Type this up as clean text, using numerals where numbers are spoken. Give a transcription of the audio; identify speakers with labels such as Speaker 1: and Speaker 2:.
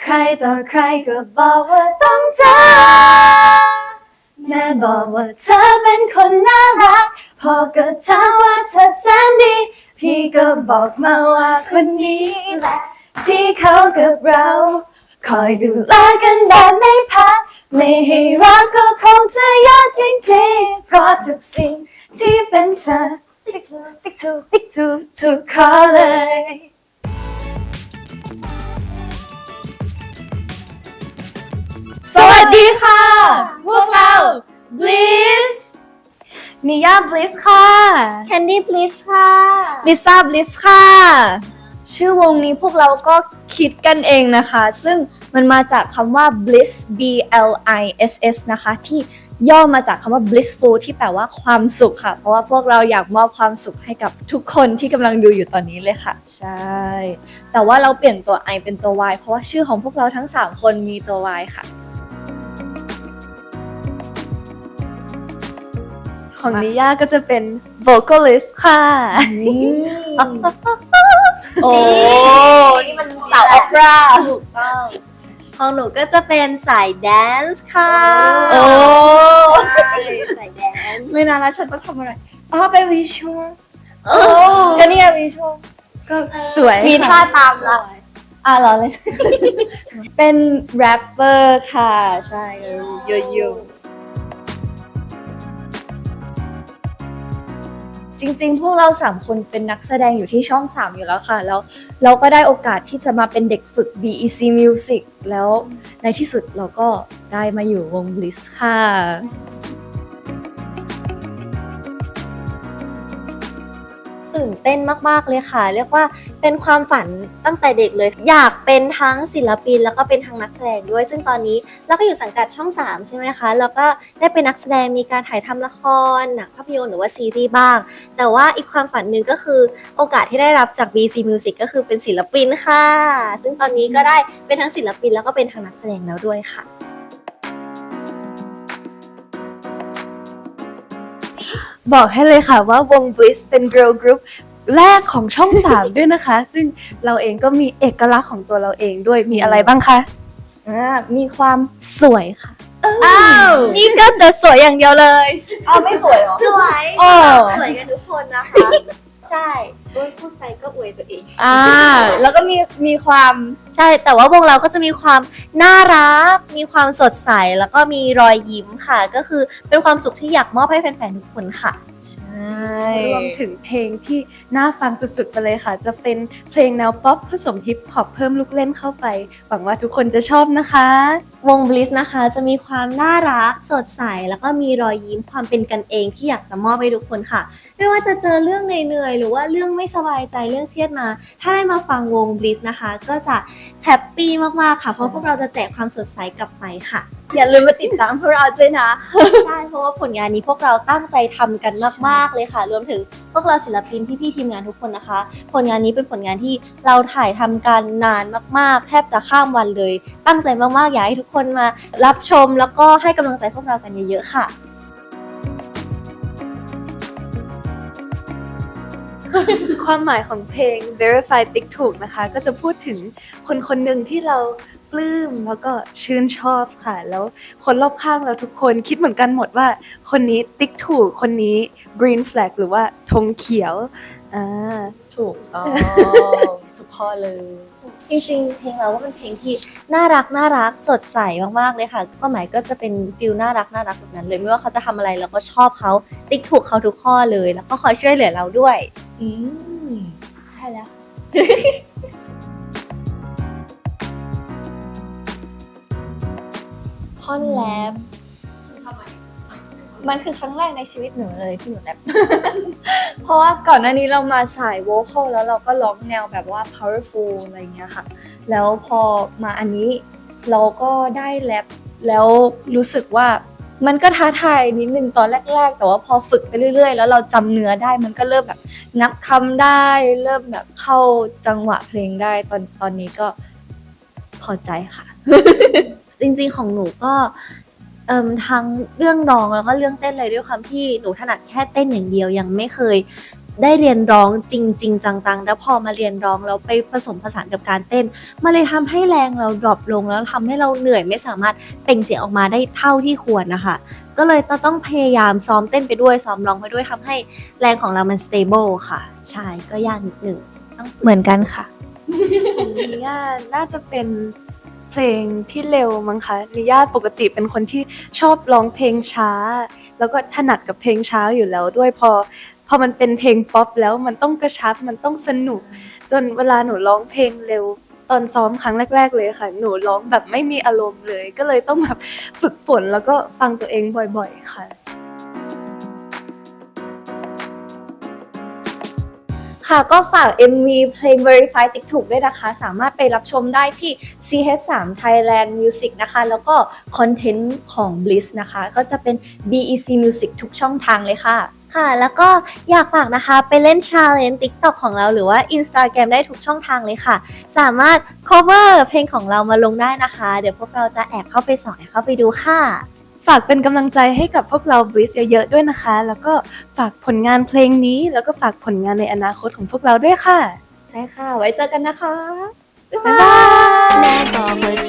Speaker 1: รต่อใครก็บอกว่าต้องเธอแม่บอกว่าเธอเป็นคนน่ารักพอก็ถามว่าเธอแสนดีพี่ก็บอกมาว่าคนนี้แหละที่เขากับเราคอยดูแลกันแบบไม่พักไม่ให้รักก็คงจะยากจริงๆเพราะทุกสิ่งที่เป็นเธอติ๊กทุกข้อเลยสวัสดีค่ะพวกเรา Bliss นิยา Bliss ค่ะ
Speaker 2: Candy Bliss ค่ะ
Speaker 1: ลิซ่า Bliss ค่ะชื่อวงนี้พวกเราก็คิดกันเองนะคะซึ่งมันมาจากคำว่า Bliss B-L-I-S-S นะคะที่ย่อมาจากคำว่า blissful ที่แปลว่าความสุขค่ะเพราะว่าพวกเราอยากมอบความสุขให้กับทุกคนที่กำลังดูอยู่ตอนนี้เลยค่ะใช่แต่ว่าเราเปลี่ยนตัว I เป็นตัว Y เพราะว่าชื่อของพวกเราทั้ง3คนมีตัว Y ค่ะของนิย่าก็จะเป็น vocalist ค่ะโอ้นี่มันสาวออเปร่า
Speaker 2: ถูกต้องของหนูก็จะเป็นสายแดนซ์ค่ะ
Speaker 1: โอ้
Speaker 2: สายแดนซ์
Speaker 1: ไม่นานแล้วฉันต้องทำอะไรเป็นวิชวลก็เนี่ยวิชวลก็สวยมีท่าตามละเหรอเลยเป็นแรปเปอร์ค่ะใช่ยูจริงๆพวกเรา3คนเป็นนักแสดงอยู่ที่ช่อง3อยู่แล้วค่ะแล้วเราก็ได้โอกาสที่จะมาเป็นเด็กฝึก BEC Music แล้วในที่สุดเราก็ได้มาอยู่วง Bliss ค่ะ
Speaker 2: ตื่นเต้นมากๆเลยค่ะเรียกว่าเป็นความฝันตั้งแต่เด็กเลยอยากเป็นทั้งศิลปินแล้วก็เป็นทั้งนักแสดงด้วยซึ่งตอนนี้เราก็อยู่สังกัดช่อง3ใช่ไหมคะแล้วก็ได้เป็นนักแสดงมีการถ่ายทำละครหนังภาพยนตร์หรือว่าซีรีส์บ้างแต่ว่าอีกความฝันหนึ่งก็คือโอกาสที่ได้รับจาก BC Music ก็คือเป็นศิลปินค่ะซึ่งตอนนี้ก็ได้เป็นทั้งศิลปินแล้วก็เป็นทั้งนักแสดงแล้วด้วยค่ะ
Speaker 1: บอกให้เลยค่ะว่าวง Bliss เป็น girl group แรกของช่อง3ด้วยนะคะซึ่งเราเองก็มีเอกลักษณ์ของตัวเราเองด้วยมีอะไรบ้างคะมีความสวยค่ะ
Speaker 2: นี่ก็จะสวยอย่างเดียวเลย
Speaker 1: ไม่สวยหรอ
Speaker 2: สวยสวยกันทุกคนนะคะใช่พูดไปก็อวยตัวเอง
Speaker 1: แล้วก็มีความ
Speaker 2: ใช่แต่ว่าวงเราก็จะมีความน่ารักมีความสดใสแล้วก็มีรอยยิ้มค่ะก็คือเป็นความสุขที่อยากมอบให้แฟนๆทุกคนค่ะ
Speaker 1: รวมถึงเพลงที่น่าฟังสุดๆไปเลยค่ะจะเป็นเพลงแนวป๊อปผสมฮิปฮอปเพิ่มลูกเล่นเข้าไปหวังว่าทุกคนจะชอบนะคะ
Speaker 2: วง Bliss นะคะจะมีความน่ารักสดใสแล้วก็มีรอยยิ้มความเป็นกันเองที่อยากจะมอบให้ทุกคนค่ะไม่ว่าจะเจอเรื่องเหนื่อยๆหรือว่าเรื่องไม่สบายใจเรื่องเครียดมาถ้าได้มาฟังวง Bliss นะคะก็จะแฮปปี้มากๆค่ะเพราะพวกเราจะแจกความสดใสกลับไปค่ะ
Speaker 1: อย่าลืมมาติดตามพวกเราด้วยนะ
Speaker 2: ใช่เพราะว่าผลงานนี้พวกเราตั้งใจทำกันมากๆเลยค่ะรวมถึงพวกเราศิลปินพี่ๆทีมงานทุกคนนะคะผลงานนี้เป็นผลงานที่เราถ่ายทำกันนานมากๆแทบจะข้ามวันเลยตั้งใจมากๆอยากให้ทุกคนมารับชมแล้วก็ให้กำลังใจพวกเรากันเยอะๆค่ะ
Speaker 1: ความหมายของเพลง Verify ติ๊กถูกนะคะก็จะพูดถึงคนคนหนึ่งที่เราปลื้มแล้วก็ชื่นชอบค่ะแล้วคนรอบข้างเราทุกคนคิดเหมือนกันหมดว่าคนนี้ติ๊กถูกคนนี้ green flag หรือว่าธงเขียว
Speaker 2: ถูกต้องทุกข้อเลยจริงๆเพลงเราว่าเป็นเพลงที่น่ารักสดใสมากๆเลยค่ะความหมายก็จะเป็นฟิลน่ารักแบบนั้นเลยไม่ว่าเขาจะทำอะไรเราก็ชอบเขาติ๊กถูกเขาทุกข้อเลยแล้วก็คอยช่วยเหลือเราด้วย
Speaker 1: ใช่แล้วท่อนแรปมันคือครั้งแรกในชีวิตหนูเลยที่หนูแรป เพราะว่าก่อนหน้านี้เรามาสายโวคอลแล้วเราก็ร้องแนวแบบว่า powerful อะไรเงี้ยค่ะแล้วพอมาอันนี้เราก็ได้แรปแล้วรู้สึกว่ามันก็ท้าทายนิดนึงตอนแรกๆแต่ว่าพอฝึกไปเรื่อยๆแล้วเราจำเนื้อได้มันก็เริ่มแบบนับคำได้เริ่มแบบเข้าจังหวะเพลงได้ตอนนี้ก็พอใจค่ะ
Speaker 2: จริงๆของหนูก็ทั้งเรื่องร้องแล้วก็เรื่องเต้นเลยด้วยความที่หนูถนัดแค่เต้นอย่างเดียวยังไม่เคยได้เรียนร้องจริงๆจังๆแล้วพอมาเรียนร้องแล้วไปผสมผสานกับการเต้นมันเลยทำให้แรงเราดรอปลงแล้วทำให้เราเหนื่อยไม่สามารถเปล่งเสียงออกมาได้เท่าที่ควรนะคะก็เลยต้องพยายามซ้อมเต้นไปด้วยซ้อมร้องไปด้วยทำให้แรงของเรามัน stable ค่ะใช่ก็ยากนิดหนึ่งต้องฝึก
Speaker 1: เหมือนกันค่ะ
Speaker 3: นิย่าน่าจะเป็นเพลงที่เร็วมั้งคะนิย่าปกติเป็นคนที่ชอบร้องเพลงช้า แล้วก็ถนัดกับเพลงช้าอยู่แล้วด้วยพอมันเป็นเพลงป๊อปแล้วมันต้องกระชับมันต้องสนุก จนเวลาหนูร้องเพลงเร็วตอนซ้อมครั้งแรกๆเลยค่ะ หนูร้องแบบไม่มีอารมณ์เลย ก็เลยต้องแบบฝึกฝนแล้วก็ฟังตัวเองบ่อยๆค่ะ
Speaker 1: ค่ะก็ฝาก MV เพลง Verify ติ๊กถูกด้วยนะคะ สามารถไปรับชมได้ที่ CH3 Thailand Music นะคะ แล้วก็คอนเทนต์ของ Bliss นะคะ ก็จะเป็น BEC Music ทุกช่องทางเลยค่ะ
Speaker 2: ค่ะแล้วก็อยากฝากนะคะไปเล่น Challenge TikTok ของเราหรือว่า Instagram ได้ทุกช่องทางเลยค่ะ สามารถ cover เพลงของเรามาลงได้นะคะ เดี๋ยวพวกเราจะแอบเข้าไปส่องแอบเข้าไปดูค่ะ
Speaker 3: ฝากเป็นกำลังใจให้กับพวกเรา Bliss เยอะๆด้วยนะคะ แล้วก็ฝากผลงานเพลงนี้ แล้วก็ฝากผลงานในอนาคตของพวกเราด้วยค่ะ
Speaker 1: ใช่ค่ะ ไว้เจอกันนะคะ
Speaker 2: แม่บอกว่าเธ